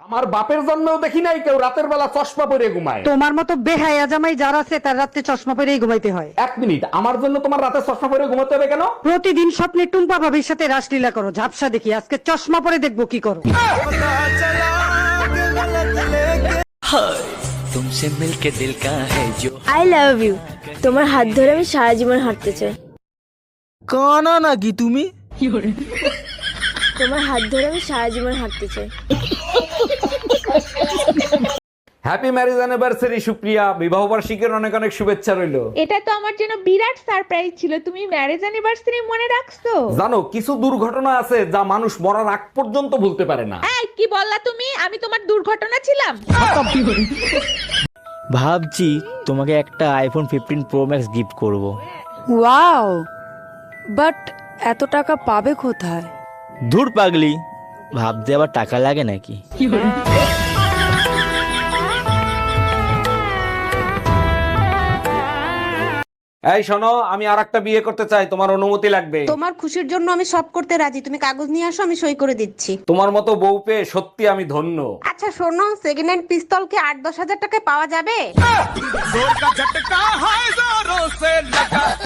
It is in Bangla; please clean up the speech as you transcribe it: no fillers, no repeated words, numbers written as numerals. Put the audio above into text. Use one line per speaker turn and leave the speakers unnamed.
আমার বাপের জন্মেও দেখি নাই কেউ রাতের বেলা চশমা পরে ঘুমায়।
তোমার মতো বেহায়া জামাই যারা আছে তার রাতে চশমা পরেই ঘুমাইতে হয়।
এক মিনিট, আমার জন্য তোমার রাতে চশমা পরে ঘুমাতে হবে কেন?
প্রতিদিন স্বপ্নে টুম্পা ভাবির সাথে রাসলীলা করো, ঝাপসা দেখি, আজকে চশমা পরে দেখবো কি করো।
तुमसे मिलके दिल का है जो
আই লাভ ইউ। তোমার হাত ধরে আমি সারা জীবন হাঁটতে চাই।
কানা নাকি তুমি?
তোমার হাত ধরে আমি সারা জীবন হাঁটতে চাই।
হ্যাপি ম্যারেজ অ্যানিভার্সারি সুপ্রিয়া, বিবাহ বার্ষিকীর অনেক অনেক শুভেচ্ছা রইলো।
এটা তো আমার জন্য বিরাট সারপ্রাইজ ছিল, তুমি ম্যারেজ অ্যানিভার্সারি মনে রাখছো।
জানো কিছু দুর্ঘটনা আছে যা মানুষ মরার আগ পর্যন্ত ভুলতে পারে না।
এই কি বললা তুমি? আমি তোমার দুর্ঘটনা ছিলাম?
ভাবছি তোমাকে একটা আইফোন 15 প্রো ম্যাক্স গিফট করব।
ওয়াও, বাট এত টাকা পাবে কোথায়?
ধুর পাগলি, ভাবতে আবার টাকা লাগে নাকি?
এই শোনো, আমি আরেকটা বিয়ে করতে চাই, তোমার অনুমতি লাগবে।
তোমার খুশির জন্য আমি সব করতে রাজি, তুমি কাগজ নিয়ে আসো, আমি সই করে দিচ্ছি।
তোমার মতো বউ পেয়ে সত্যি আমি ধন্য।
আচ্ছা শোনো, সেকেন্ড হ্যান্ড পিস্তল কি 8-10 হাজার টাকায় পাওয়া যাবে?